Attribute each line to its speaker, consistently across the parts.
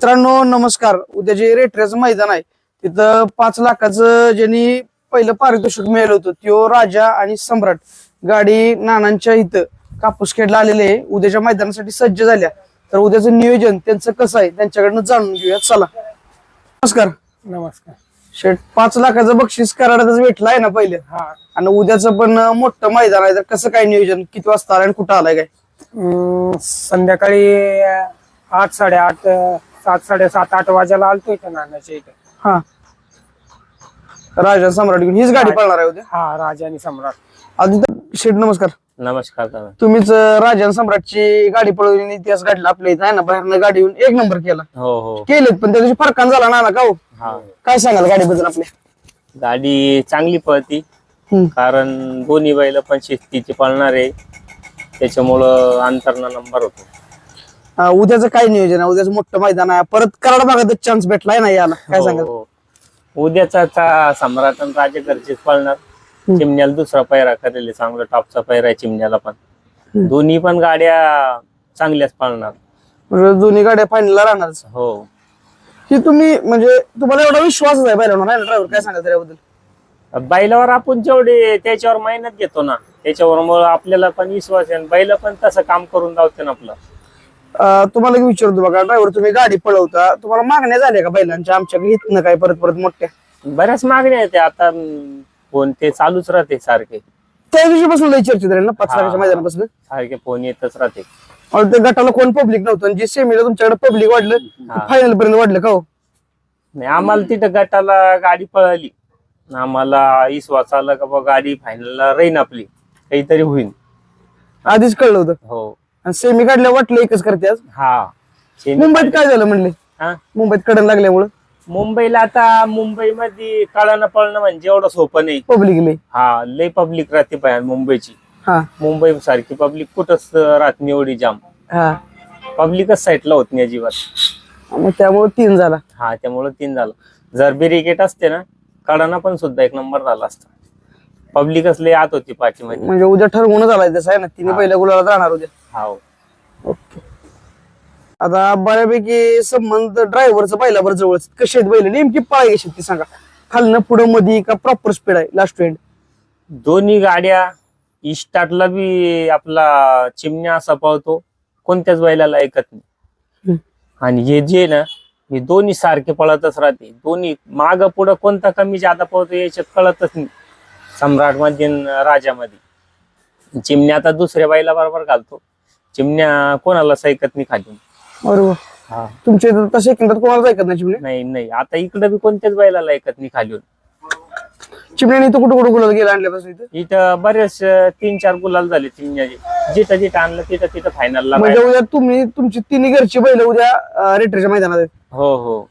Speaker 1: मित्रांनो नमस्कार. उद्या जे रेटऱ्याचं मैदान आहे तिथं 5 लाखाचं ज्यांनी पहिलं पारितोषिक मिळालं होतं त्यो राजा आणि सम्राट गाडी नानांच्या इथं कापूसखेडला आलेले आहे. उद्याच्या मैदानासाठी सज्ज झाल्या. तर उद्याचं नियोजन त्यांचं कसं आहे त्यांच्याकडनं जाणून घेऊया. चला. नमस्कार.
Speaker 2: नमस्कार.
Speaker 1: शेठ 5 लाखाचं बक्षीस कराडातच भेटलं आहे ना पहिले, आणि उद्याचं पण मोठं मैदान आहे. तर कसं काय नियोजन, किती वाजता आलाय आणि कुठं आलाय काय?
Speaker 2: संध्याकाळी 8, 8:30, 7, 7:30, 8 वाजेला आलतोय का नानाच्या इथे.
Speaker 1: हा, राजा सम्राट घेऊन हीच गाडी पळणार आहे उद्या.
Speaker 2: हा, राजा आणि सम्राट.
Speaker 1: आदित्य शेठ नमस्कार.
Speaker 3: नमस्कार.
Speaker 1: तुम्हीच राजा आणि सम्राटची गाडी पळवली, इतिहास घडला आपल्या इथं आहे ना. बाहेरनं गाडी येऊन 1 नंबर केला.
Speaker 3: हो हो
Speaker 1: केलेत पण त्या दिवशी फरकान झाला ना का हो?
Speaker 3: हा,
Speaker 1: काय सांगाल गाडीबद्दल आपल्या?
Speaker 3: गाडी चांगली पळती, कारण दोन्ही बैल पण शिस्तीचे पळणार आहे, त्याच्यामुळं अंतरना नंबर होतो.
Speaker 1: उद्याचं काय नियोजन आहे? उद्याचं मोठं मैदान आहे, परत कराड भागात चान्स भेटलाय ना याला, काय सांगाल?
Speaker 3: हो, उद्याचा सम्राट आणि राजा घरचेच पळणार. चिमण्याला दुसरा पैरा करेल, चांगला टॉपचा पैरा आहे चिमण्याला पण. दोन्ही पण गाड्या चांगल्याच पळणार.
Speaker 1: म्हणजे दोन्ही गाड्या फायनलला राहणार.
Speaker 3: हो,
Speaker 1: ही तुम्ही म्हणजे तुम्हाला एवढा विश्वासच आहे बैलांवर आहे ना ड्रायव्हर, काय सांगाल त्याबद्दल?
Speaker 3: बैलावर आपण जेवढे त्याच्यावर मेहनत घेतो ना, त्याच्यावर आपल्याला पण विश्वास आहे. बैल पण तसं काम करून दावते ना आपलं.
Speaker 1: तुम्हाला एक विचारतो बघा, ड्रायव्हर तुम्ही गाडी पळवता, तुम्हाला मागण्या झाल्या का बैलांच्या आमच्याकडे इथनं काय परत परत मोठ्या?
Speaker 3: बऱ्याच मागण्या आहेत आता. फोन ते चालूच राहते सारखे.
Speaker 1: त्या दिवशीपासून लई चर्चेत राहील ना 5 लाखाच्या मैदानापासून
Speaker 3: सारखे फोन येतच राहते.
Speaker 1: ते गटाला कोण पब्लिक नव्हतं, आणि जे सेमीला तुमच्याकडे पब्लिक वाढलं फायनल पर्यंत वाढलं का हो?
Speaker 3: नाही, आम्हाला तिथं गटाला गाडी पळाली, आम्हाला विश्वास आला का बाबा गाडी फायनलला राहीन आपली, काहीतरी होईल.
Speaker 1: आधीच कळलं होतं.
Speaker 3: हो.
Speaker 1: आणि सेमी काढल्या वाटलं एकच करते आज.
Speaker 3: हा,
Speaker 1: मुंबईत काय झालं म्हणले?
Speaker 3: हा,
Speaker 1: मुंबईत कडन लागल्यामुळं
Speaker 3: मुंबईला आता मुंबईमध्ये कळणं पळणं म्हणजे एवढं सोपं नाही.
Speaker 1: पब्लिक लई.
Speaker 3: हा, लय पब्लिक राहते पाहिजे मुंबईची.
Speaker 1: हा
Speaker 3: मुंबई सारखी पब्लिक कुठंच राहत नाही एवढी जाम.
Speaker 1: हा,
Speaker 3: पब्लिकच साईडला होत नाही अजिबात.
Speaker 1: मग त्यामुळे 3 झाला.
Speaker 3: हा, त्यामुळे 3 झालं. जर बिरिकेट असते ना, कळणं पण सुद्धा 1 नंबर झाला असता. पब्लिकच लय आत होती पाठीमध्ये.
Speaker 1: म्हणजे उद्या ठरवूनच आलाय तसं आहे ना, तिने पहिल्या गुलाला राहणार उद्या.
Speaker 3: हो.
Speaker 1: ओके. आता बऱ्यापैकी संबंध ड्रायव्हरचं बैलावर जवळ कसे आहेत बैल, नेमकी पाळी कशी ती सांगा? खालनं पुढं मध्ये का प्रॉपर स्पीड आहे लास्ट एंड?
Speaker 3: दोन्ही गाड्या स्टार्टला बी आपला चिमण्या असा पळतो, कोणत्याच बैलाला ऐकत नाही. आणि हे जे ना, हे दोन्ही सारखे पळतच राहते. दोन्ही माग पुढं कोणता कमी जादा पळतो याच्यात कळतच नाही. सम्राट मध्ये राजामध्ये चिमण्या आता दुसऱ्या बैला बरोबर घालतो. चिमण्या कोणालाच ऐकत नाही खाली.
Speaker 1: बरोबर.
Speaker 3: हा,
Speaker 1: तुमच्या इथं तसे किंमत कोणाला ऐकत नाही चिमणे?
Speaker 3: नाही नाही, आता इकडे बी कोणत्याच बैलाला ऐकत नाही खाली.
Speaker 1: चिमण्याने इथं कुठं कुठं गुलाल गेला आणल्यापासून इथं?
Speaker 3: इथं बरेच 3-4 गुलाल झाले चिमण्याचे. जिथं जिथं आणलं तिथं फायनलला.
Speaker 1: म्हणजे उद्या तुम्ही तुमची 3 घरची बैल उद्या रेटरच्या मैदानात आहेत.
Speaker 3: हो हो.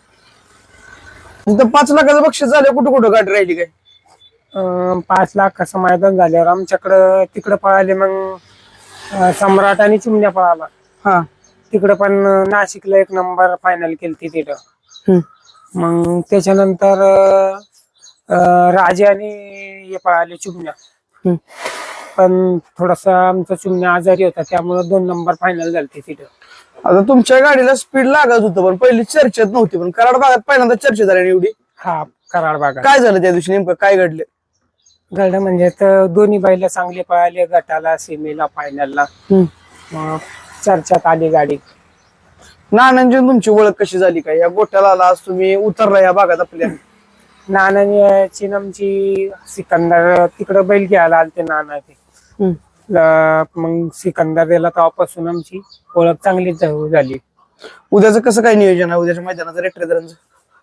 Speaker 1: तिथं 5 लाखाचं बक्षीस झालं, कुठं कुठं गाडी राहिली काय?
Speaker 2: 5 लाख असं मैदान झाल्यावर आमच्याकडं तिकडं पळाले. मग सम्राट आणि चिमण्या पळाला.
Speaker 1: हा,
Speaker 2: तिकडं पण नाशिकला 1 नंबर फायनल केली तिथं. मग त्याच्यानंतर राजा आणि हे पळाले चिमण्या. पण थोडासा आमचा चिमण्या आजारी होता, त्यामुळे 2 नंबर फायनल झाले तिथं.
Speaker 1: आता तुमच्या गाडीला स्पीड लागत होतं, पण पहिली चर्चेत नव्हती, पण कराड भागात पहिल्यांदा चर्चा झाली एवढी.
Speaker 2: हा, कराड भागात
Speaker 1: काय झालं त्या दिवशी, नेमकं काय घडलं?
Speaker 2: घडलं म्हणजे तर दोन्ही बैल चांगले पळाले, गटाला, सेमीला, फायनलला. चर्चात आली गाडी.
Speaker 1: नानांची तुमची ओळख कशी झाली काय? या गोट्याला आला आज तुम्ही, उतरला या भागात आपल्या?
Speaker 2: नानाची आमची सिकंदर तिकडं बैल घ्यायला आलते नाना ते. मग सिकंदर दिला तेव्हापासून आमची ओळख चांगलीच झाली.
Speaker 1: उद्याचं कसं काय नियोजन आहे उद्याच्या मैदानाचं रेटरेदारांचं?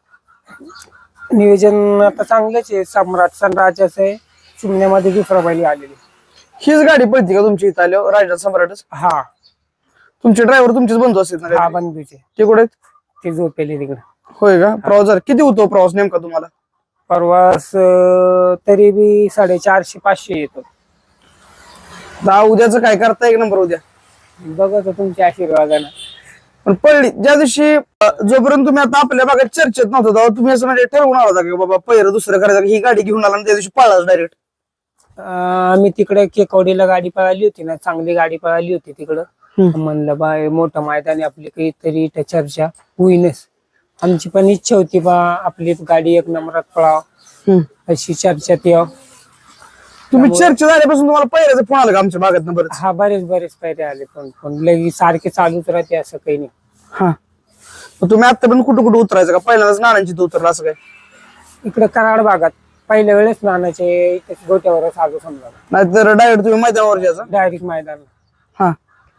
Speaker 2: नियोजन आता चांगलंच आहे. सम्राट राजाचं आहे, चिमण्यामध्ये दुसरा बैल आलेली.
Speaker 1: हीच गाडी पळती का तुमची इथं आल्यावर, राजा सम्राटच?
Speaker 2: हा,
Speaker 1: तुमचे ड्रायव्हर तुमचेच बंधू असतील ना?
Speaker 2: हा, बंधूचे.
Speaker 1: ते कुठे आहेत?
Speaker 2: ते झोपेले तिकडे.
Speaker 1: होय का? प्रवास झाला किती होतो प्रवास नेमका तुम्हाला?
Speaker 2: प्रवास तरी बी 450-500 येतो.
Speaker 1: उद्याचं काय करता 1 नंबर उद्या?
Speaker 2: बघा तर तुमच्या आशीर्वादानं.
Speaker 1: पण पडली ज्या दिवशी, जोपर्यंत तुम्ही आता आपल्या भागात चर्चेत नव्हता तेव्हा तुम्ही असं म्हणजे ठरवून आला की बाबा पहिलं दुसरं करायचं, ही गाडी घेऊन आला आणि त्या दिवशी पळाला डायरेक्ट?
Speaker 2: आम्ही तिकडे केकवडीला गाडी पळाली होती ना, चांगली गाडी पळाली होती तिकडं. म्हणलं बा हे मोठं मैदान आहे, आपली काहीतरी इथं चर्चा होईनच. आमची पण इच्छा होती बा आपली गाडी एक नंबरात पळाव अशी चर्चा ती.
Speaker 1: तुम्ही चर्चा झाल्यापासून तुम्हाला पहिल्याचा फोन आला का आमच्या भागात बरंच?
Speaker 2: हा बरेच पायरे आले, पण लगी सारखे चालूच राहते असं काही नाही.
Speaker 1: हा, मग तुम्ही आता पण कुठं कुठं उतरायचं का? पहिल्यांदाच नानांची इथं उतरला असं काय?
Speaker 2: इकडे कराड भागात पहिल्या वेळेस नानाचे गोट्यावरच आलो समजा,
Speaker 1: नाहीतर डायरेक्ट तुम्ही मैदानावर जायचं?
Speaker 2: डायरेक्ट मैदान.
Speaker 1: हा.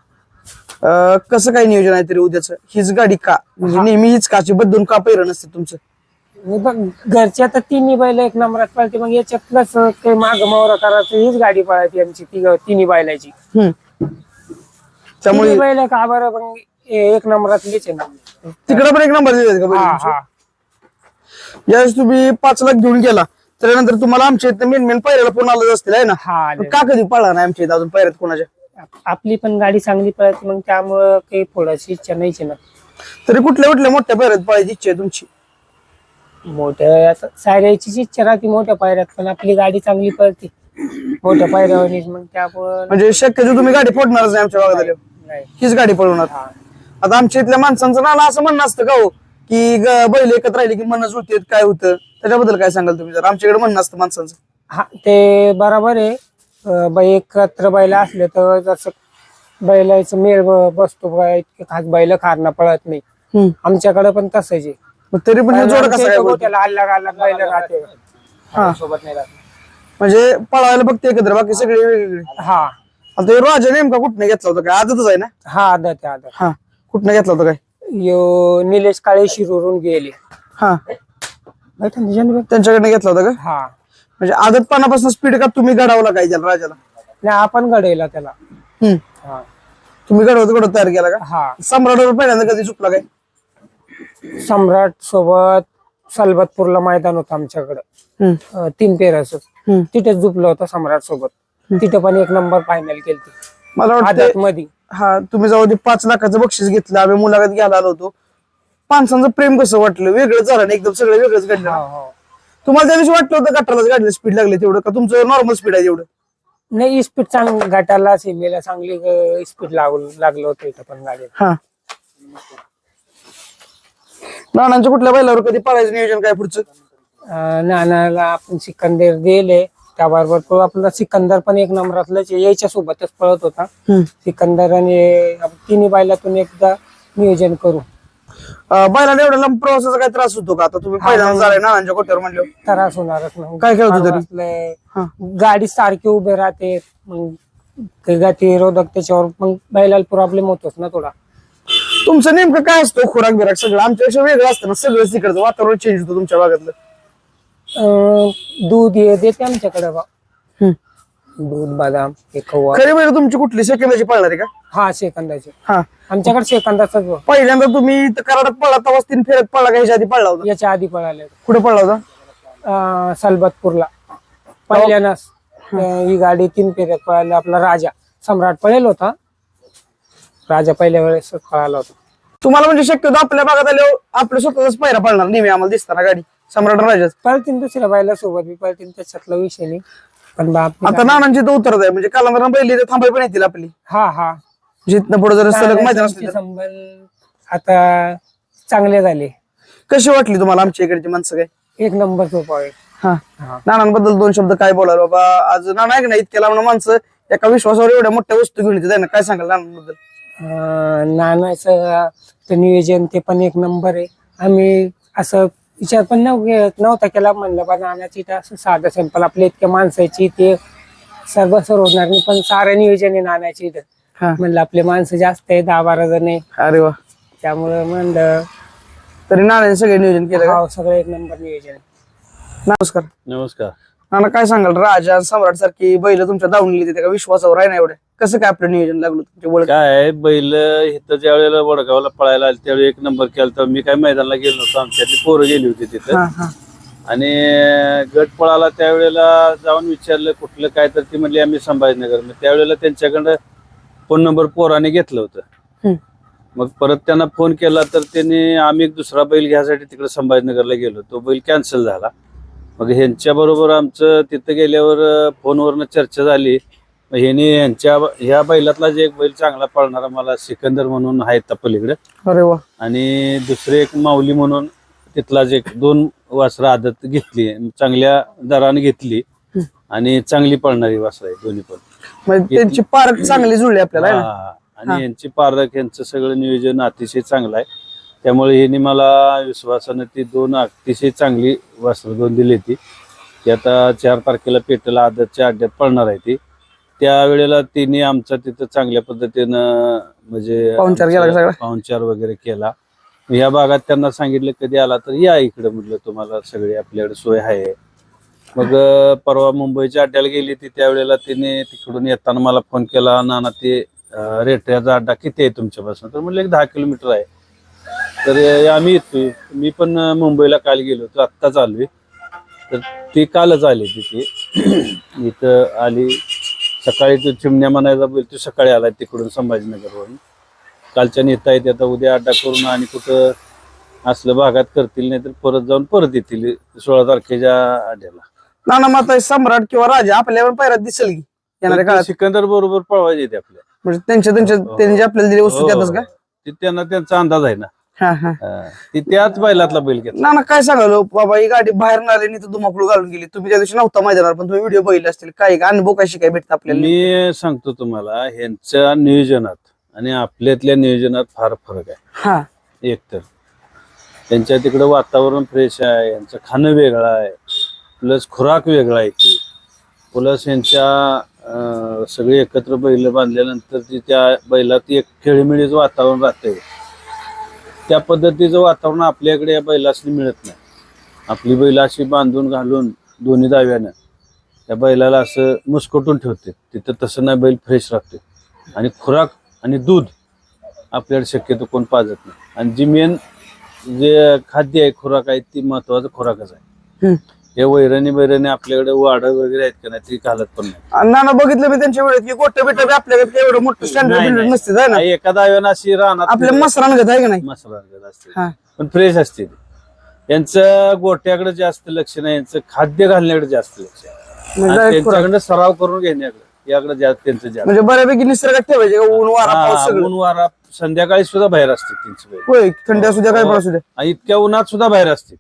Speaker 1: कसं काय नियोजन आहे तरी उद्याचं? हीच गाडी का म्हणजे नेहमी हीच काची बदलून का पहिरं नसते तुमचं?
Speaker 2: बघ घरच्या तर तिन्ही बैल एक नंबरात पळते, मग याच्यातलंच काही माग मावरा करायचं हीच गाडी पळायची आमची तिन्ही बैलाची.
Speaker 1: त्यामुळे
Speaker 2: तिन्ही बैल का बरं मग एक नंबरातलीच आहे ना.
Speaker 1: तिकडे पण एक नंबर दिले का
Speaker 2: हा
Speaker 1: बैल?
Speaker 2: हा.
Speaker 1: यावेळेस तुम्ही 5 लाख घेऊन गेला त्यानंतर तुम्हाला आमच्या इथं मेन पायऱ्याला फोन आलं असतील आहे ना?
Speaker 2: हा आले.
Speaker 1: का कधी पळला नाही आमच्या इथं अजून पायऱ्यात कोणाच्या?
Speaker 2: आपली पण गाडी चांगली पळते, मग त्यामुळं काही फोडायची इच्छा नाहीच ना.
Speaker 1: तरी कुठल्या कुठल्या मोठ्या पायऱ्यात पळायची इच्छा आहे तुमची?
Speaker 2: मोठ्या आता सायऱ्याचीच इच्छा राहते मोठ्या पायऱ्यात, पण आपली गाडी चांगली पळते मोठ्या पायऱ्यावर, मग त्यामुळं
Speaker 1: म्हणजे शक्यतो तुम्ही गाडी फोडणारच नाही आमच्या भागात आल्यावर?
Speaker 2: नाही.
Speaker 1: हीच गाडी पळवणार?
Speaker 2: हा.
Speaker 1: आता आमच्या इथल्या माणसांचं नाना असं म्हणणं असतं का हो की बैल एकत्र राहिले की मनच होते काय होतं, त्याच्याबद्दल काय सांगाल तुम्ही? जर आमच्याकडे म्हणणं असतं माणसांचं.
Speaker 2: हा ते बरोबर आहे. एकत्र बैल असले तर जसं बैलाचं मेळ बसतो बा, इतके खास बैल खारणं पळत नाही. आमच्याकडे पण तसंच आहे.
Speaker 1: मग तरी पण हे जोड कसं काय बोलतो?
Speaker 2: गोट्याला अल्लग बैल राहते,
Speaker 1: हा.
Speaker 2: सोबत नाही राहत.
Speaker 1: म्हणजे पळायला बघते एकत्र, बाकी सगळे वेगवेगळे.
Speaker 2: हा
Speaker 1: आता हे राजा नेमका कुठनं घेतला होता काय? आजच आहे ना?
Speaker 2: हा आदत आहे आदत.
Speaker 1: हा, कुठनं घेतला होता काय?
Speaker 2: यो निलेश काळे शिरूरून गेले.
Speaker 1: हा,
Speaker 2: बैठा ना तुझ्याने बघ.
Speaker 1: त्यांच्याकडनं घेतला होता का?
Speaker 2: हा
Speaker 1: म्हणजे आदतपणापासून स्पीड का तुम्ही घडवला काय त्याला राजाला?
Speaker 2: नाही आपण घडवला त्याला.
Speaker 1: हम्म,
Speaker 2: हा
Speaker 1: तुम्ही घडवत तयार केला का?
Speaker 2: हा.
Speaker 1: सम्राटवर पहिल्यांदा कधी चुकला काय?
Speaker 2: सम्राट सोबत सलबतपूरला मैदान होतं आमच्याकडे 3 पेराचं, तिथेच झुपलं होतं सम्राट सोबत. तिथे पण एक नंबर फायनल केली
Speaker 1: मला
Speaker 2: आदत
Speaker 1: वाटतं
Speaker 2: मध्ये.
Speaker 1: हा, तुम्ही जाऊ दे 5 लाखाचं बक्षीस घेतलं, आम्ही मुलाखत घ्यायला आलो होतो. माणसांचं प्रेम कसं वाटलं? वेगळं झालं ना एकदम, सगळं वेगळंच घडलं. तुम्हाला त्या दिवशी वाटलं होतं गटालाच गाडीला स्पीड लागली तेवढं का तुमचं नॉर्मल स्पीड आहे तेवढं?
Speaker 2: नाही स्पीड चांगली गटाला सीमेला चांगली स्पीड लागलं होतं इथं पण गाडी.
Speaker 1: हा, नानांच्या कुठल्या बैलावर कधी पळायचं नियोजन काय पुढचं?
Speaker 2: नानाला आपण सिकंदर दिले, त्याबरोबर तो आपला सिकंदर पण एक नंबरातलाच यायच्या सोबतच पळत होता. सिकंदर आणि तिन्ही बैलातून एकदा नियोजन करू.
Speaker 1: बैलाला एवढ्या लांब प्रवासाचा काय त्रास होतो का? आता तुम्ही पहिल्यांदा झालाय नानांच्या कोट्यावर म्हणलं,
Speaker 2: त्रास होणारच नाही.
Speaker 1: काय काय होतं तरी?
Speaker 2: गाडी सारखी उभे राहते, मग गती रोधक त्याच्यावर मग बैलाला प्रॉब्लेम होतोच ना थोडा.
Speaker 1: तुमचं नेमकं काय असतं खुराक बिराक? सगळं आमच्यापेक्षा वेगळं असतं ना, सगळं तिकडचं वातावरण चेंज होतं तुमच्या भागातलं.
Speaker 2: दूध देते आमच्याकडे बा, दूध बदाम हे कव्वा.
Speaker 1: खरी बैल तुमची कुठली सेकंदाची पळणार आहे का?
Speaker 2: हा सेकंदाचे
Speaker 1: हा,
Speaker 2: आमच्याकडे सेकंदाचाच बा.
Speaker 1: पहिल्यांदा तुम्ही कराडात पळला तेव्हा 3 फेऱ्यात पळला का ह्याच्या आधी पळला होता?
Speaker 2: याच्या आधी पळाले
Speaker 1: कुठे पळला होता?
Speaker 2: सलबतपूरला पहिल्यानंच ही गाडी 3 फेऱ्यात पळाली. आपला राजा सम्राट पळेल होता, राजा पहिल्या वेळेस पळाला होता.
Speaker 1: तुम्हाला म्हणजे शक्यतो आपल्या भागात आल्यावर आपल्या स्वतःच पायरा पळणार नेहमी आम्हाला दिसताना गाडी सम्राट राजाच
Speaker 2: पळतीन दुसऱ्या बायला सोबत बी पळतीन, त्याच्यातला विषय नाही. पण बाप
Speaker 1: आता नानांची तर उतरत आहे म्हणजे कालांतर बैल इथे थांबाय पण येतील आपली,
Speaker 2: हा हा
Speaker 1: जिथनं पुढे जर सलग मैदान असले तर.
Speaker 2: संबंध आता चांगले झाले.
Speaker 1: कशी वाटली तुम्हाला आमच्या इकडची माणसं काय?
Speaker 2: एक नंबर सोपा आहे.
Speaker 1: हा, नानांबद्दल 2 शब्द काय बोलाल बाबा? आज नाना आहे का नाही, इतक्या लांब माणसं एका विश्वासावर एवढ्या मोठ्या वस्तू घेऊन येते ना, काय सांगाल नानांबद्दल?
Speaker 2: नानाचं ते नियोजन ते पण एक नंबर आहे. आम्ही असं विचार पण नव्हता केला, म्हणलं बा नानाची असं साधं सिंपल आपल्या इतक्या माणसाची ते सर्व होणार नाही, पण सारं नियोजन आहे नानाची इथं. म्हणलं आपले माणसं जास्त आहे, 10-12 जण आहे.
Speaker 1: अरे वा,
Speaker 2: त्यामुळे म्हणलं
Speaker 1: तरी नानाने सगळे नियोजन केलं का?
Speaker 2: सगळं एक नंबर नियोजन आहे.
Speaker 1: नमस्कार.
Speaker 4: नमस्कार.
Speaker 1: नाना काय सांगाल, राजा सम्राट सारखी बैल तुमच्या दावणीला येते का? विश्वासावर आहे ना एवढ्या? कसं काय आपलं नियोजन लागलं तुमच्या ओळख?
Speaker 4: काय बैल इथं ज्या वेळेला वडगावला पळायला आले त्यावेळी एक नंबर केला, तर मी काय मैदानाला गेलो नव्हतो, आमच्यातली पोरं गेली होती तिथं. आणि गट पळाला त्यावेळेला जाऊन विचारलं कुठलं काय, तर ती म्हणली आम्ही संभाजीनगर. मग त्यावेळेला त्यांच्याकडं फोन नंबर पोराने घेतलं होतं. मग परत त्यांना फोन केला तर त्यांनी आम्ही एक दुसरा बैल घ्यायसाठी तिकडे संभाजीनगरला गेलो, तो बैल कॅन्सल झाला. मग ह्यांच्या बरोबर आमचं तिथं गेल्यावर फोनवरनं चर्चा झाली ह्याने ह्या बैलातला जे एक बैल चांगला पळणारा मला सिकंदर म्हणून आहे त्या पलीकडे,
Speaker 1: अरे वा.
Speaker 4: आणि दुसरे एक माऊली म्हणून तिथला जे 2 वासरं आदत घेतली, चांगल्या दराने घेतली आणि चांगली पळणारी वासरं आहे दोन्ही पण.
Speaker 1: म्हणजे त्यांची पार्क चांगली जुळली आपल्याला है ना?
Speaker 4: हा. आणि यांची पारख यांचं सगळं नियोजन अतिशय चांगलं आहे. त्यामुळे ह्यांनी मला विश्वासानं ती 2 अतिशय चांगली वासरं 2 दिली ती आता 4 तारखेला पेटला आदतच्या अड्ड्यात पळणार आहे ती. त्यावेळेला तिने आमचा तिथं चांगल्या पद्धतीनं म्हणजे
Speaker 1: पाहुणचार केला का सगळा?
Speaker 4: पाहुणचार वगैरे केला. या भागात त्यांना सांगितलं कधी आला तर या इकडे, म्हटलं तुम्हाला सगळी आपल्याकडे सोय आहे. मग परवा मुंबईच्या अड्ड्याला गेली ती, त्यावेळेला तिने तिकडून येताना मला फोन केला, नाना ते रेट्याचा अड्डा किती आहे तुमच्यापासून? तर म्हटलं 10 किलोमीटर आहे. तर आम्ही येतोय. मी पण मुंबईला काल गेलो होतो, आत्ताच आलोय. तर ती कालच आली तिथे इथं आली. सकाळी तो चिमण्या म्हणायचा बैल तो सकाळी आला तिकडून संभाजीनगरवरून. कालच्या नेता येते आता उद्या अड्डा करून आणि कुठं असलं भागात करतील, नाही तर परत जाऊन परत येतील 16 तारखेच्या अड्ड्याला.
Speaker 1: नाना माता सम्राट किंवा राजा आपल्यावर पैरात दिसेल की येणाऱ्या काळात?
Speaker 4: सिकंदर बरोबर पळवायचे ते आपल्या,
Speaker 1: म्हणजे त्यांनी जे आपल्याला दिली वस्तू त्यातच का?
Speaker 4: ते त्यांना त्यांचा अंदाज आहे ना.
Speaker 1: हा हा.
Speaker 4: ती त्याच बैलातला बैल घेतला.
Speaker 1: नाना काय सांगालो बाबा, ही गाडी बाहेर आली नाही तर धुमाकूळ घालून गेली. तुम्ही त्या दिवशी नव्हता मैदानावर, पण तुम्ही व्हिडिओ बघितले असतील. काय अनुभव कशी काय भेटत आपल्याला?
Speaker 4: मी सांगतो तुम्हाला, ह्यांच्या नियोजनात आणि आपल्यातल्या नियोजनात फार फरक आहे.
Speaker 1: हा.
Speaker 4: एकतर त्यांच्या तिकडं वातावरण फ्रेश आहे, यांचं खाणं वेगळं आहे, प्लस खुराक वेगळा आहे की, प्लस यांच्या सगळे एकत्र बैल बांधल्यानंतर त्या बैलात एक खेळीमेळीचं वातावरण राहतंय. त्या पद्धतीचं वातावरण आपल्याकडे या बैलासनी मिळत नाही. आपली बैल अशी बांधून घालून दोन्ही दाव्यानं त्या बैलाला असं मुस्कटून ठेवते. तिथं तसं नाही, बैल फ्रेश राहते. आणि खुराक आणि दूध आपल्याकडे शक्यतो कोण पाजत नाही. आणि जी मेन जे खाद्य आहे, खुराक आहे, ती महत्वाचं खुराकच आहे. हे वैरणी आपल्याकडे वाढ वगैरे आहेत का नाही, ती घालत पण नाही.
Speaker 1: नाना बघितलं मी त्यांच्या वेळेत की गोट्या बिट्या आपल्याकडे एवढं मोठं स्टँडर्ड नसते है ना?
Speaker 4: एका दाव्यानं अशी राहणार
Speaker 1: आपल्या मसरान घेत आहे का नाही?
Speaker 4: मसाला असते पण फ्रेश असते ती. यांचं गोट्याकडे जास्त लक्ष नाही, यांचं खाद्य घालण्याकडे जास्त लक्ष आहे. आणि त्यांच्याकडे सराव करून घेण्याकडे याकडे जास्त त्यांचं जास्त.
Speaker 1: म्हणजे बऱ्यापैकी निसर्गात ठेवायचे का? ऊन वारा पाऊस सगळं?
Speaker 4: ऊन वारा संध्याकाळी सुद्धा बाहेर असते त्यांची बैल.
Speaker 1: होय, थंडी असू द्या काय पण असू द्या,
Speaker 4: आणि इतक्या उन्हात सुद्धा बाहेर असते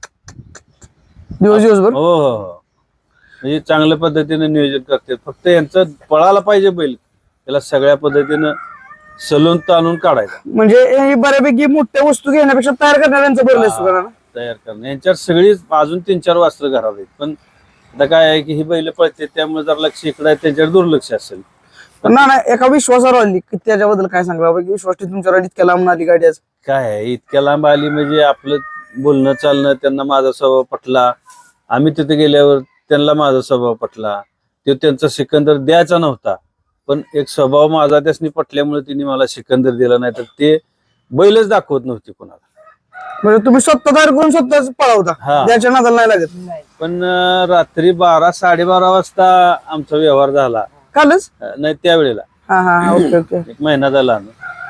Speaker 1: दिवसभर.
Speaker 4: हो हो हो. म्हणजे चांगल्या पद्धतीने नियोजन करते. फक्त यांचं पळायला पाहिजे बैल, त्याला सगळ्या पद्धतीनं सलून ताणून काढायचं.
Speaker 1: म्हणजे हे बऱ्यापैकी मोठ्या वस्तू घेण्यापेक्षा तयार करणाऱ्यांचं बरं असतं का नाना?
Speaker 4: तयार करणं यांच्यावर सगळी अजून 3-4 वास्त्र घरात आहेत. पण आता काय आहे की ही बैल पळते, त्यामुळे जर लक्ष इकडे आहे, त्यांच्यावर दुर्लक्ष असेल.
Speaker 1: पण नाना एका विश्वासावर आली की त्याच्याबद्दल काय सांगला बाबा, की विश्वास तुमच्यावर इतक्या लांब आली गाडी आज?
Speaker 4: काय आहे, इतक्या लांब आली म्हणजे आपलं बोलणं चालणं, त्यांना माझा स्वभाव पटला. आम्ही तिथे गेल्यावर त्यांना माझा स्वभाव पटला. तो त्यांचा सिकंदर द्यायचा नव्हता, पण एक स्वभाव माझा त्यासनी पटल्यामुळे तिने मला सिकंदर दिला. नाही तर ते बैलच दाखवत नव्हती कोणाला.
Speaker 1: म्हणजे तुम्ही स्वतः तयार करून स्वतःच पळवता,
Speaker 4: हा.
Speaker 1: त्याच्या नादाला नाही लागत?
Speaker 4: पण रात्री 12-12:30 वाजता आमचा व्यवहार झाला.
Speaker 1: कालच?
Speaker 4: नाही त्यावेळेला
Speaker 1: हा हा हा. Okay okay.
Speaker 4: 1 महिना झाला.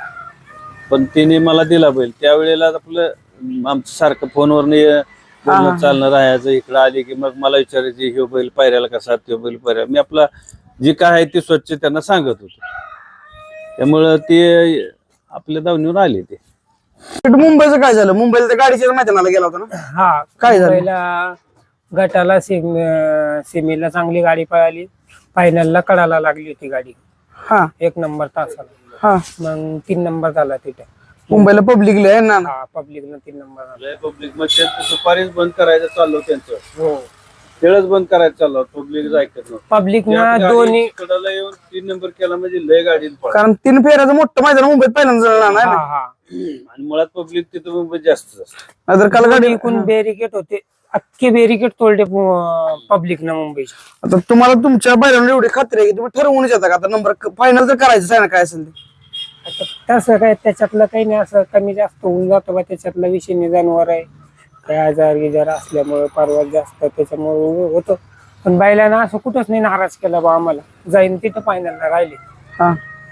Speaker 4: पण तिने मला दिला बैल. त्यावेळेला आपलं आमचं सारखं फोनवर बोलणं चालणं राहायचं. इकडं आली की मग मला विचारायची ह्यो बैल पायऱ्याला कसा, तो बैल पायऱ्याला. मी आपला जी काय आहे ती स्वच्छ त्यांना सांगत होतो. त्यामुळं ते आपल्या दावणीवर आले. ते
Speaker 1: मुंबईचं काय झालं? मुंबईला त्या गाडीच्या मैदानाला गेला होता ना?
Speaker 2: हा.
Speaker 1: काय झालं?
Speaker 2: पहिला गटाला सीमेला चांगली गाडी पळाली, फायनलला कडाला लागली होती गाडी.
Speaker 1: हा
Speaker 2: 1 नंबर तासाला.
Speaker 1: हा.
Speaker 2: मग 3 नंबर झाला तिथे.
Speaker 1: मुंबईला पब्लिक आहे ना?
Speaker 2: हा, पब्लिकला 3 नंबर झाला.
Speaker 4: पब्लिक मध्ये दुपारीच बंद करायचं चाललं त्यांचं.
Speaker 2: हो,
Speaker 4: खेळच बंद करायचं चाललं. पब्लिक ऐकत नव्हतं.
Speaker 2: पब्लिक ना दोन्ही
Speaker 4: कडाला येऊन 3 नंबर केला म्हणजे लय गाडी
Speaker 1: कारण 3 फेऱ्याचं मोठं मैदान मुंबईत पहिल्यांदा झालं ना?
Speaker 2: हा हा.
Speaker 4: आणि मुळात पब्लिक तिथं मुंबईत जास्त असतं.
Speaker 1: नाहीतर काल गाडी
Speaker 2: एकूण बॅरिकेड होते, अख्खे बॅरिकेड तोडले पब्लिक ना मुंबईचे.
Speaker 1: आता तुम्हाला तुमच्या बैलांना एवढी खात्री आहे की तुम्ही ठरवूनच येता का आता नंबर फायनल तर करायचं आहे ना, काय असेल ते?
Speaker 2: आता तसं काय त्याच्यातलं काही नाही, असं कमी जास्त होऊन जातो का त्याच्यातला विषय नाही. जनावर आहे काय, आजार गिजार असल्यामुळे परवा जास्त त्याच्यामुळे होतं. पण बैलांना असं कुठंच नाही नाराज केला बा आम्हाला, जाईन तिथं फायनलला राहिले.
Speaker 1: हा.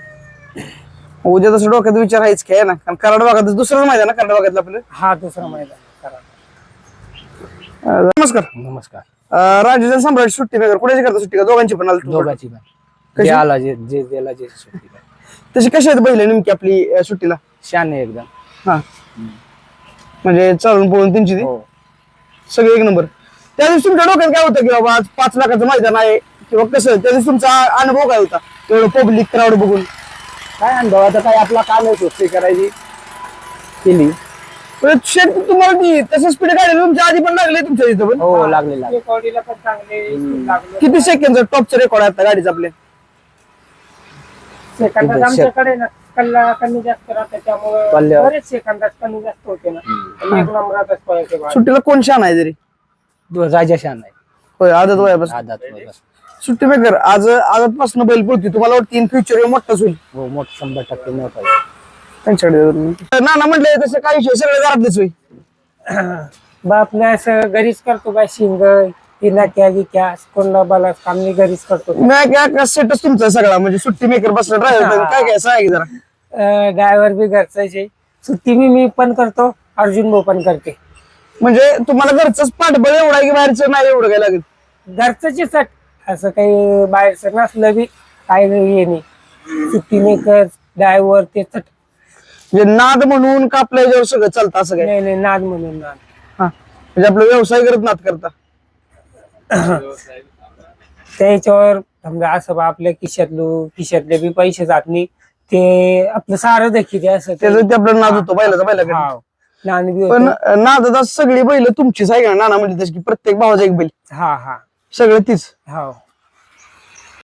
Speaker 1: उद्या तसं डोक्यात विचार आहेच काय ना, कारण कराड भागात दुसरं मैदान ना, कराड भागातलं आपलं.
Speaker 2: हा दुसरा मैदान.
Speaker 1: नमस्कार.
Speaker 5: नमस्कार.
Speaker 1: राजेश सम्राट सुट्टी मेकर कुणाची करता सुट्टी का? दोघांची पण आली?
Speaker 5: दोघांची पण.
Speaker 1: कशी?
Speaker 2: आला जे जे त्याला जे सुट्टी काय.
Speaker 1: तशी कशी आहेत बैल नेमकी आपली सुट्टीला?
Speaker 2: शान आहे एकदम.
Speaker 1: हा म्हणजे चालून पळून त्यांची ती
Speaker 2: हो.
Speaker 1: सगळे एक नंबर. त्या दिवशी तुमच्या डोक्यात काय होतं की बाबा आज 5 लाखाचं मैदान आहे किंवा कसं त्या दिवशी तुमचा अनुभव काय होता तेवढं पब्लिक क्राऊड बघून?
Speaker 2: काय अनुभव आता काय आपला काम आहे सुट्टी करायची केली.
Speaker 1: पण शेट तुम्हाला ती तसं स्पीड गाडी तुमच्या आधी पण लागले तुमच्या इथं पण?
Speaker 2: हो लागले लागले. रेकॉर्डिंगला पण चांगले लागले.
Speaker 1: किती सेकंडचा टॉपचा रेकॉर्ड आहे आता गाडीचा आपल्या?
Speaker 2: सेकंदात आमच्याकडे ना कल्ला कमी जास्त राहतात त्यामुळे बरेच सेकंदात कमी जास्त होते ना. आणि एक नंबरातच पळायचे बाहेर.
Speaker 1: सुट्टीला कोण शान आहे तरी?
Speaker 2: राजा शान आहे.
Speaker 1: होय आदत वयापासून.
Speaker 2: आदात
Speaker 1: सुट्टी मेकर आज आदतपासून बैल पळती तुम्हाला वाटतं इन फ्युचर मोठाच होईल
Speaker 2: हो मोठ 100% मोठा.
Speaker 1: त्यांच्याकडे? नाना म्हटले तसं काही विषय सगळे घरातलेच होईल.
Speaker 2: बापने असं घरीच करतो बाय शिंग नाक्या गिक्या कोणला बाला काम मी घरीच करतो.
Speaker 1: नाही काय सेटच तुमचा सगळा म्हणजे सुट्टी मेकर बसला ड्रायव्हर काय काय सांग जरा.
Speaker 2: ड्रायव्हर बी घरचाच आहे. सुट्टी मी पण करतो अर्जुन भाऊ पण करते.
Speaker 1: म्हणजे तुम्हाला घरचंच पाठबळ एवढं आहे की बाहेरचं नाही एवढं काय लागेल?
Speaker 2: घरचं चट असं काही बाहेरचं नसलं बी काय हे नाही. सुट्टी मेकर ड्रायव्हर ते चट.
Speaker 1: म्हणजे नाद म्हणून का आपल्या याच्यावर सगळं चालतं असं काय?
Speaker 2: नाही नाद म्हणून नाद.
Speaker 1: हा म्हणजे आपला व्यवसाय करत नाद करता.
Speaker 2: त्याच्यावर समजा असं बा आपल्या खिशातले बी पैसे जात नाही ते आपलं सारं देखील असं ते.
Speaker 1: त्याचं ते आपला नाद होतो बैलाचा बैलाकडे.
Speaker 2: हाव. नाद बी
Speaker 1: पण
Speaker 2: होतं.
Speaker 1: नादात सगळी बैल तुमचीच आहे का? नाना म्हणजे त्याची प्रत्येक भावाचा एक बैल
Speaker 2: हा हा
Speaker 1: सगळं तीच.
Speaker 2: हाव.